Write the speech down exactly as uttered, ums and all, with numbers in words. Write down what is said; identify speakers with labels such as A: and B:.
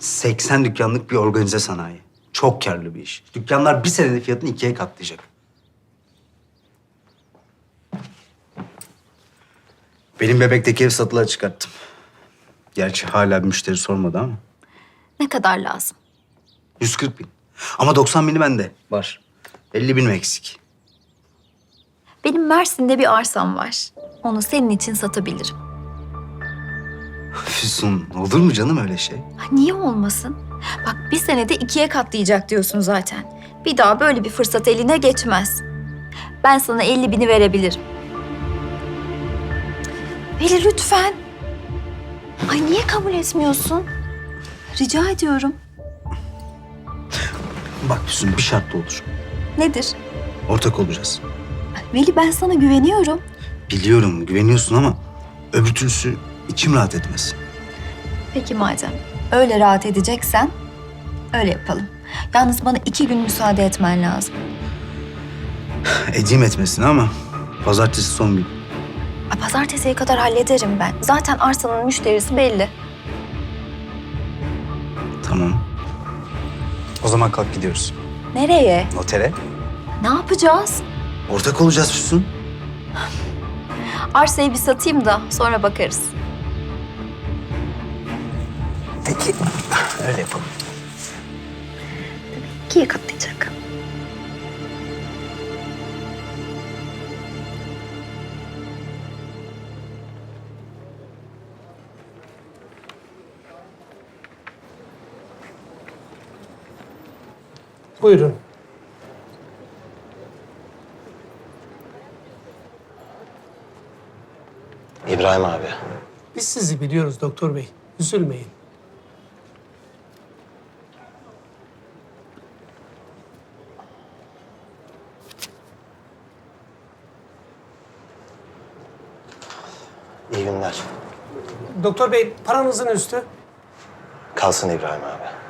A: seksen dükkanlık bir organize sanayi. Çok karlı bir iş. Dükkanlar bir senede fiyatını ikiye katlayacak. Benim bebekteki ev satılığa çıkarttım. Gerçi hala bir müşteri sormadı ama.
B: Ne kadar lazım?
A: yüz kırk bin. Ama doksan bini bende var. elli bin eksik.
B: Benim Mersin'de bir arsam var. Onu senin için satabilirim.
A: Füsun, olur mu canım öyle şey?
B: Ha, niye olmasın? Bak bir senede ikiye katlayacak diyorsun zaten. Bir daha böyle bir fırsat eline geçmez. Ben sana elli bini verebilirim. Veli lütfen. Ay niye kabul etmiyorsun? Rica ediyorum.
A: Bak Füsun, bir şartla olur.
B: Nedir?
A: Ortak olacağız.
B: Veli ben sana güveniyorum.
A: Biliyorum, güveniyorsun ama öbür türlüsü içim rahat etmez.
B: Peki madem öyle rahat edeceksen öyle yapalım. Yalnız bana iki gün müsaade etmen lazım.
A: Edeyim etmesine ama pazartesi son gün.
B: Ay, pazartesiye kadar hallederim ben. Zaten arsanın müşterisi belli.
A: Tamam. O zaman kalk gidiyoruz.
B: Nereye?
A: Notere.
B: Ne yapacağız?
A: Ortak olacağız Füsun.
B: Arsayı bir satayım da sonra bakarız.
A: Peki, öyle yapalım.
B: İkiye katlayacak.
C: Buyurun.
D: İbrahim abi.
C: Biz sizi biliyoruz doktor bey. Üzülmeyin.
D: İyi günler.
C: Doktor bey paranızın üstü.
D: Kalsın İbrahim abi.